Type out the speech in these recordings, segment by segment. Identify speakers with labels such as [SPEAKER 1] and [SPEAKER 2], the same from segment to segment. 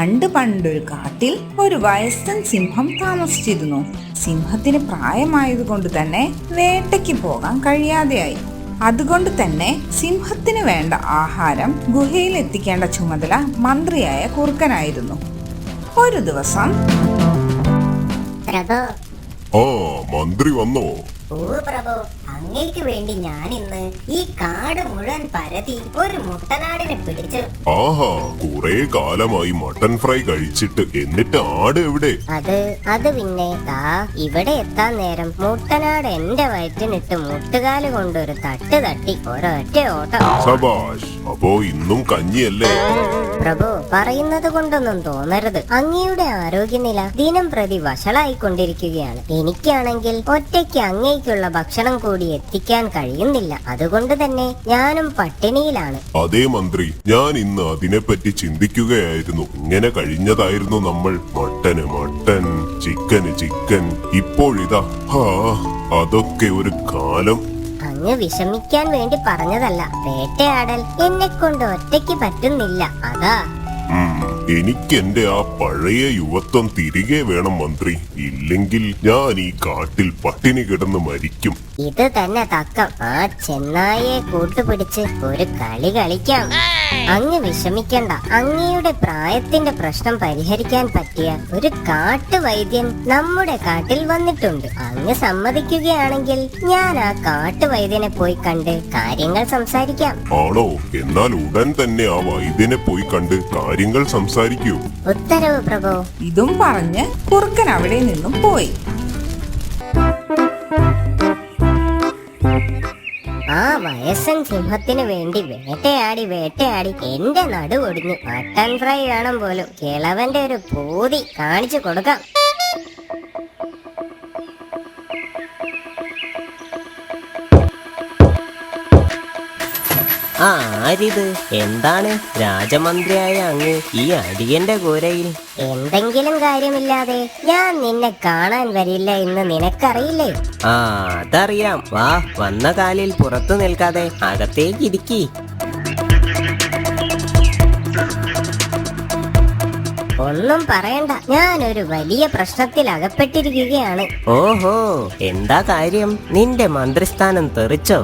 [SPEAKER 1] പണ്ട് പണ്ടൊരു കാട്ടിൽ ഒരു വയസ്സൻ സിംഹം താമസിച്ചിരുന്നു. സിംഹത്തിന് പ്രായമായതുകൊണ്ട് തന്നെ വേട്ടയ്ക്ക് പോകാൻ കഴിയാതെയായി. അതുകൊണ്ട് തന്നെ സിംഹത്തിന് വേണ്ട ആഹാരം ഗുഹയിൽ എത്തിക്കേണ്ട ചുമതല മന്ത്രിയായ കുറുക്കനായിരുന്നു. ഒരു ദിവസം
[SPEAKER 2] മന്ത്രി വന്നോ?
[SPEAKER 3] ഓ പ്രഭു, അങ്ങേക്ക് വേണ്ടി ഞാൻ ഇന്ന് ഈ കാട് മുഴുവൻ പരതി ഒരു മുട്ടനാടിനെ പിടിച്ചു.
[SPEAKER 2] ആഹാ, കുറെ കാലമായി മട്ടൻ ഫ്രൈ കഴിച്ചിട്ട്. എന്നിട്ട് ആട് എവിടെ?
[SPEAKER 3] അത് പിന്നെ ഇവിടെ എത്താൻ നേരം മുട്ടനാട് എന്റെ വയറ്റിനിട്ട് മുട്ടുകാല് കൊണ്ടൊരു തട്ട് തട്ടി ഒരൊറ്റ ഓട്ടം.
[SPEAKER 2] സബാഷ്, അപ്പോ ഇന്നും കഞ്ഞിയല്ലേ?
[SPEAKER 3] പ്രഭു, പറയുന്നത് കൊണ്ടൊന്നും തോന്നരുത്. അങ്ങയുടെ ആരോഗ്യനില ദിനം പ്രതി വഷളായിക്കൊണ്ടിരിക്കുകയാണ്. എനിക്കാണെങ്കിൽ ഒറ്റയ്ക്ക് അങ്ങേക്കുള്ള ഭക്ഷണം കൂടി എത്തിക്കാൻ കഴിയുന്നില്ല. അതുകൊണ്ട് തന്നെ ഞാനും പട്ടിണിയിലാണ്.
[SPEAKER 2] അതേ മന്ത്രി, ഞാൻ ഇന്ന് അതിനെപ്പറ്റി ചിന്തിക്കുകയായിരുന്നു. ഇങ്ങനെ കഴിഞ്ഞതായിരുന്നു നമ്മൾ. Mutton, chicken. ഇപ്പോഴിതാ, അതൊക്കെ ഒരു കാലം.
[SPEAKER 3] അങ്ങ് വിഷമിക്കാൻ വേണ്ടി പറഞ്ഞതല്ല. വേട്ടയാടൽ എന്നെ കൊണ്ട് ഒറ്റയ്ക്ക് പറ്റുന്നില്ല, അതാ.
[SPEAKER 2] എനിക്ക് എന്റെ ആ പഴയ യുവത്വം തിരികെ വേണം മന്ത്രി. ഇല്ലെങ്കിൽ ഞാൻ ഈ കാട്ടിൽ പട്ടിണി കിടന്ന് മരിക്കും.
[SPEAKER 3] ഇത് തന്നെ തക്കം. ആ ചെന്നായെ കൂട്ടുപിടിച്ച് ഒരു കളി കളിക്കാം. അങ്ങ് വിഷമിക്കണ്ട. അങ്ങയുടെ പ്രായത്തിന്റെ പ്രശ്നം പരിഹരിക്കാൻ പറ്റിയ ഒരു കാട്ടുവൈദ്യൻ നമ്മുടെ കാട്ടിൽ വന്നിട്ടുണ്ട്. അങ്ങ് സമ്മതിക്കുകയാണെങ്കിൽ ഞാൻ ആ കാട്ടുവൈദ്യനെ പോയി കണ്ട് കാര്യങ്ങൾ സംസാരിക്കാം.
[SPEAKER 2] ആണോ? എന്നാൽ ഉടൻ തന്നെ ആ വൈദ്യനെ പോയി കണ്ട് കാര്യങ്ങൾ സംസാരിക്കൂ.
[SPEAKER 3] ഉത്തരവ് പ്രഭു.
[SPEAKER 1] ഇതും പറഞ്ഞ് കുറുക്കൻ അവിടെ നിന്നും പോയി.
[SPEAKER 3] ആ വയസ്സൻ സിംഹത്തിന് വേണ്ടി വേട്ടയാടി എന്റെ നടുവൊടിഞ്ഞു. മട്ടൻ ഫ്രൈ വേണം പോലും. കിളവന്റെ ഒരു പൂതി കാണിച്ചു കൊടുക്കാം.
[SPEAKER 4] ആരിത്? എന്താണ് രാജമന്ത്രിയായ അങ്ങ് ഈ അടിയന്റെ കൂരയിൽ?
[SPEAKER 3] എന്തെങ്കിലും കാര്യമില്ലാതെ ഞാൻ നിന്നെ കാണാൻ വരില്ല എന്ന് നിനക്കറിയില്ലേ?
[SPEAKER 4] അതറിയാം. വാ, വന്ന കാലിൽ പുറത്തു നിൽക്കാതെ അകത്തേക്ക് ഇരിക്കി.
[SPEAKER 3] ഒന്നും പറയണ്ട, ഞാനൊരു വലിയ പ്രശ്നത്തിൽ അകപ്പെട്ടിരിക്കുകയാണ്.
[SPEAKER 4] ഓഹോ, എന്താ കാര്യം? നിന്റെ മന്ത്രിസ്ഥാനം തെറിച്ചോ?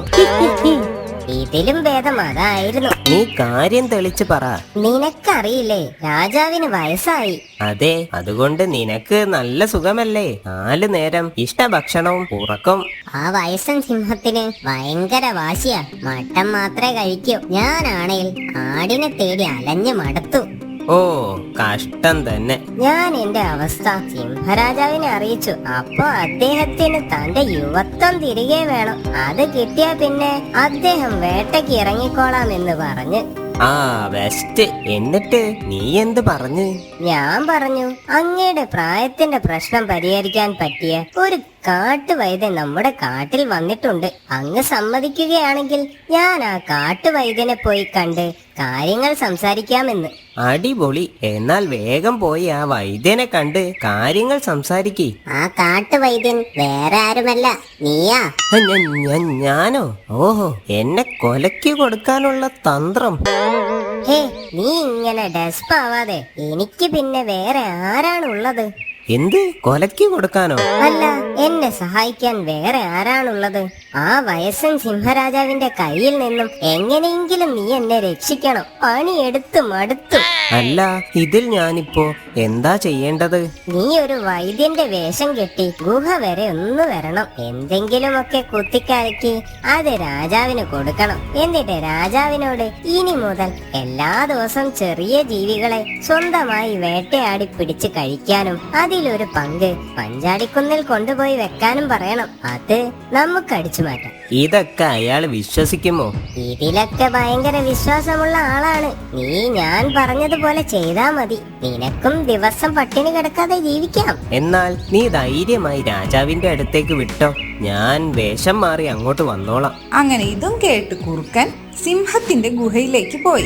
[SPEAKER 3] ഇതിലും ഭേദം അതായിരുന്നു.
[SPEAKER 4] നീ കാര്യം തെളിച്ചു പറ.
[SPEAKER 3] നിനക്കറിയില്ലേ, രാജാവിന് വയസ്സായി.
[SPEAKER 4] അതെ, അതുകൊണ്ട് നിനക്ക് നല്ല സുഖമല്ലേ? 4 നേരം ഇഷ്ടഭക്ഷണവും ഉറക്കം.
[SPEAKER 3] ആ വയസ്സൻ സിംഹത്തിന് ഭയങ്കര വാശിയാ. മട്ടൻ മാത്രമേ കഴിക്കൂ. ഞാനാണെങ്കിൽ ആടിനെ തേടി അലഞ്ഞു മടുത്തു.
[SPEAKER 4] ഓ, കഷ്ടം തന്നെ.
[SPEAKER 3] ഞാൻ എന്റെ അവസ്ഥ സിംഹരാജാവിനെ അറിയിച്ചു. അപ്പൊ അദ്ദേഹത്തിന് തന്റെ യുവത്വം തിരികെ വേണം. അത് കിട്ടിയാ പിന്നെ അദ്ദേഹം വേട്ടയ്ക്ക് ഇറങ്ങിക്കോളാം എന്ന് പറഞ്ഞ്.
[SPEAKER 4] ബെസ്റ്റ്. എന്നിട്ട് നീ എന്ത് പറഞ്ഞു?
[SPEAKER 3] ഞാൻ പറഞ്ഞു, അങ്ങയുടെ പ്രായത്തിന്റെ പ്രശ്നം പരിഹരിക്കാൻ പറ്റിയ ഒരു കാട്ടുവൈദ്യൻ നമ്മുടെ കാട്ടിൽ വന്നിട്ടുണ്ട്. അങ്ങ് സമ്മതിക്കുകയാണെങ്കിൽ ഞാൻ ആ കാട്ടുവൈദ്യനെ പോയി കണ്ട് കാര്യങ്ങൾ സംസാരിക്കാമെന്ന്.
[SPEAKER 4] അടിപൊളി. എന്നാൽ വേഗം പോയി ആ വൈദ്യനെ കണ്ട് കാര്യങ്ങൾ സംസാരിക്കേ.
[SPEAKER 3] ആ കാട്ടുവൈദ്യൻ വേറെ ആരുമല്ല, നീയാ.
[SPEAKER 4] ഞാനോ? ഓഹോ, എന്നെ കൊലയ്ക്ക് കൊടുക്കാനുള്ള തന്ത്രം.
[SPEAKER 3] ഹേ, നീ ഇങ്ങനെ ഡെസ്പാവാതെ. എനിക്ക് പിന്നെ വേറെ ആരാണുള്ളത്?
[SPEAKER 4] എന്ത്? കൊലയ്ക്ക് കൊടുക്കാനോ?
[SPEAKER 3] അല്ല, എന്നെ സഹായിക്കാൻ വേറെ ആരാണുള്ളത്? ആ വയസ്സൻ സിംഹരാജാവിന്റെ കയ്യിൽ നിന്നും എങ്ങനെയെങ്കിലും നീ എന്നെ രക്ഷിക്കണം. പണിയെടുത്ത് മടുത്തു.
[SPEAKER 4] അല്ല, ഇതിൽ ഞാനിപ്പോ എന്താ ചെയ്യേണ്ടത്?
[SPEAKER 3] നീ ഒരു വൈദ്യന്റെ വേഷം കെട്ടി ഗുഹ വരെ ഒന്ന് വരണം. എന്തെങ്കിലുമൊക്കെ കുത്തിക്കലക്കി അത് രാജാവിന് കൊടുക്കണം. എന്നിട്ട് രാജാവിനോട് ഇനി മുതൽ എല്ലാ ദിവസവും ചെറിയ ജീവികളെ സ്വന്തമായി വേട്ടയാടി പിടിച്ച് കഴിക്കാനും അതിലൊരു പങ്ക് പഞ്ചാടിക്കുന്നിൽ കൊണ്ടുപോയി വെക്കാനും പറയണം. അത് നമുക്ക് അടിച്ചു മാറ്റാം.
[SPEAKER 4] ഇതൊക്കെ അയാൾ വിശ്വസിക്കുമോ?
[SPEAKER 3] ഇതിലൊക്കെ ഭയങ്കര വിശ്വാസമുള്ള ആളാണ്. നീ ഞാൻ പറഞ്ഞതുപോലെ ചെയ്താ മതി. നിനക്കും ദിവസം പട്ടിണി കിടക്കാതെ ജീവിക്കാം.
[SPEAKER 4] എന്നാൽ നീ ധൈര്യമായി രാജാവിന്റെ അടുത്തേക്ക് വിട്ടോ. ഞാൻ വേഷം മാറി അങ്ങോട്ട് വന്നോളാം.
[SPEAKER 1] അങ്ങനെ ഇതും കേട്ട് കുറുക്കൻ സിംഹത്തിന്റെ ഗുഹയിലേക്ക് പോയി.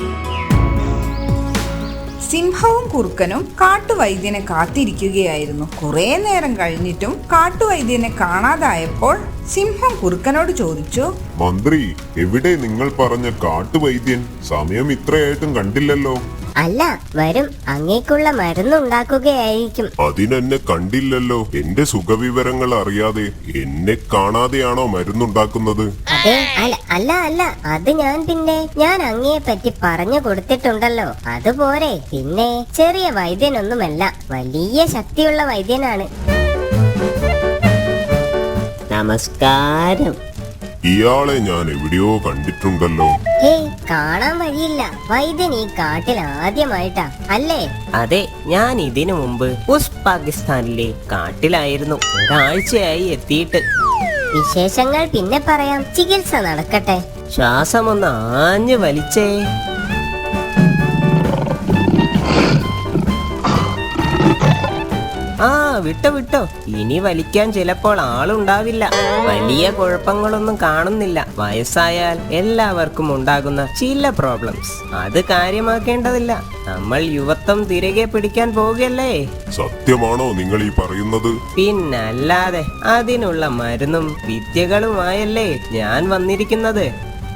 [SPEAKER 1] സിംഹവും കുറുക്കനും കാട്ടുവൈദ്യനെ കാത്തിരിക്കുകയായിരുന്നു. കുറെ നേരം കഴിഞ്ഞിട്ടും കാട്ടുവൈദ്യനെ കാണാതായപ്പോൾ സിംഹം കുറുക്കനോട് ചോദിച്ചു,
[SPEAKER 2] മന്ത്രി, എവിടെ നിങ്ങൾ പറഞ്ഞ കാട്ടുവൈദ്യൻ? സമയം ഇത്രയായിട്ടും കണ്ടില്ലല്ലോ.
[SPEAKER 3] അല്ല, വരും. അങ്ങേക്കുള്ള മരുന്നുണ്ടാക്കുകയായിരിക്കും.
[SPEAKER 2] അതിനെന്നെ കണ്ടില്ലല്ലോ. എന്റെ സുഖവിവരങ്ങൾ അറിയാതെ എന്നെ കാണാതെയാണോ മരുന്നുണ്ടാക്കുന്നത്?
[SPEAKER 3] അതെ, അല്ല, അത് ഞാൻ അങ്ങയെ പറ്റി പറഞ്ഞു കൊടുത്തിട്ടുണ്ടല്ലോ. അതുപോരെ. പിന്നെ ചെറിയ വൈദ്യനൊന്നുമല്ല, വലിയ ശക്തിയുള്ള വൈദ്യനാണ്.
[SPEAKER 4] നമസ്കാരം.
[SPEAKER 2] ഇയാളെ ഞാൻ എവിടെയോ കണ്ടിട്ടുണ്ടല്ലോ.
[SPEAKER 3] ഹേയ്, കാണാൻ വഴിയില്ല. വൈദ്യൻ ഈ കാട്ടിൽ ആദ്യമായിട്ടാ അല്ലേ?
[SPEAKER 4] അതെ, ഞാൻ ഇതിനു മുമ്പ് പാകിസ്ഥാനിലെ കാട്ടിലായിരുന്നു. ഒരാഴ്ചയായി എത്തിയിട്ട്.
[SPEAKER 3] വിശേഷങ്ങൾ പിന്നെ പറയാം. ചികിത്സ നടക്കട്ടെ.
[SPEAKER 4] ശ്വാസമൊന്ന് ആഞ്ഞു വലിച്ചേ. വിട്ടോ. ഇനി വലിക്കാൻ ചിലപ്പോൾ ആളുണ്ടാവില്ല. വലിയ കുഴപ്പങ്ങളൊന്നും കാണുന്നില്ല. വയസ്സായാൽ എല്ലാവർക്കും ഉണ്ടാകുന്ന ചില പ്രോബ്ലംസ്. അത് കാര്യമാക്കേണ്ടതില്ല. നമ്മൾ യുവത്വം തിരികെ പിടിക്കാൻ പോവുകയല്ലേ.
[SPEAKER 2] സത്യമാണോ നിങ്ങൾ ഈ പറയുന്നത്?
[SPEAKER 4] പിന്നല്ലാതെ. അതിനുള്ള മരുന്നും വിദ്യകളുമായല്ലേ ഞാൻ വന്നിരിക്കുന്നത്.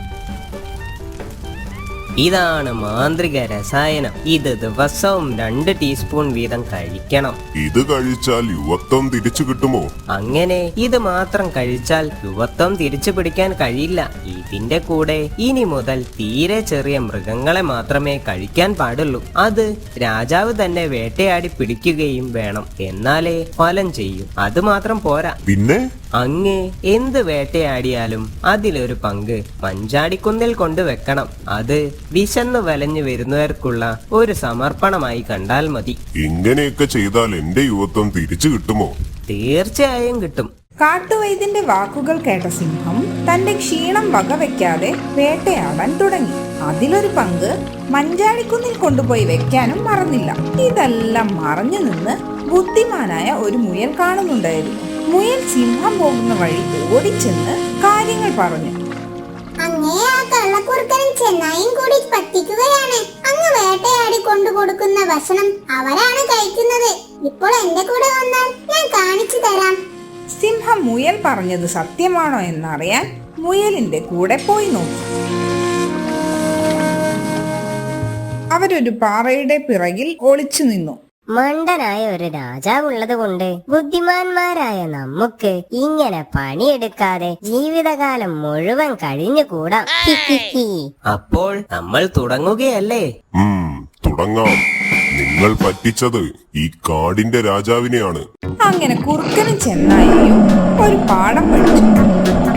[SPEAKER 4] ഇതാണ് മാന്ത്രിക രസായനം. ഇത് ദിവസവും 2 ടീസ്പൂൺ വീതം കഴിക്കണം.
[SPEAKER 2] ഇത് കഴിച്ചാൽ യുവത്വം തിരിച്ചു കിട്ടുമോ?
[SPEAKER 4] അങ്ങനെ ഇത് മാത്രം കഴിച്ചാൽ യുവത്വം തിരിച്ചു പിടിക്കാൻ കഴിയില്ല. ഇതിന്റെ കൂടെ ഇനി മുതൽ തീരെ ചെറിയ മൃഗങ്ങളെ മാത്രമേ കഴിക്കാൻ പാടുള്ളൂ. അത് രാജാവ് തന്നെ വേട്ടയാടി പിടിക്കുകയും വേണം. എന്നാലേ ഫലം ചെയ്യും. അത് മാത്രം പോരാ.
[SPEAKER 2] പിന്നെ
[SPEAKER 4] അങ്ങേ എന്ത് വേട്ടയാടിയാലും അതിലൊരു പങ്ക് മഞ്ചാടിക്കുന്നിൽ കൊണ്ടുവെക്കണം. അത് വിശന്നു വലഞ്ഞു വരുന്നവർക്കുള്ള ഒരു സമർപ്പണമായി കണ്ടാൽ മതി.
[SPEAKER 2] ഇങ്ങനെയൊക്കെ ചെയ്താൽ എന്റെ യുവത്വം തിരിച്ചു കിട്ടുമോ?
[SPEAKER 4] തീർച്ചയായും കിട്ടും.
[SPEAKER 1] കാട്ടുവൈദ്യന്റെ വാക്കുകൾ കേട്ട സിംഹം തന്റെ ക്ഷീണം വകവെക്കാതെ വേട്ടയാടാൻ തുടങ്ങി. അതിലൊരു പങ്ക് മഞ്ചാടിക്കുന്നിൽ കൊണ്ടുപോയി വെക്കാനും മറന്നില്ല. ഇതെല്ലാം മറഞ്ഞു നിന്ന് ബുദ്ധിമാനായ ഒരു മുയൽ കാണുന്നുണ്ടായിരുന്നു. മുയൽ സിംഹം പോകുന്ന വഴി ഓടിച്ചെന്ന് കാര്യങ്ങൾ പറഞ്ഞു.
[SPEAKER 5] അങ്ങേ ആ കള്ളക്കുറുക്കനും ചെന്നായും കൂടി പറ്റിക്കുകയാണ്. അങ്ങ് വേട്ടയാടി കൊണ്ടു കൊടുക്കുന്ന ഭക്ഷണം അവരാണ് കഴിക്കുന്നത്. ഇപ്പോൾ എന്റെ കൂടെ വന്നാൽ ഞാൻ കാണിച്ചു തരാം.
[SPEAKER 1] സിംഹം മുയൽ പറഞ്ഞത് സത്യമാണോ എന്നറിയാൻ മുയലിന്റെ കൂടെ പോയി നോക്കി. അവരൊരു പാറയുടെ പിറകിൽ ഒളിച്ചു നിന്നു.
[SPEAKER 3] മണ്ടനായ ഒരു രാജാവുള്ളത് കൊണ്ട് ബുദ്ധിമാന്മാരായ നമുക്ക് ഇങ്ങനെ പണിയെടുക്കാതെ ജീവിതകാലം മുഴുവൻ കഴിഞ്ഞുകൂടാം.
[SPEAKER 4] അപ്പോൾ നമ്മൾ തുടങ്ങുകയല്ലേ?
[SPEAKER 2] തുടങ്ങാം. നിങ്ങൾ പറ്റിച്ചത് ഈ കാടിന്റെ രാജാവിനെയാണ്.
[SPEAKER 1] അങ്ങനെ കുറുക്കനും ചെന്നായിയും ഒരു പാഠം പഠിച്ചു.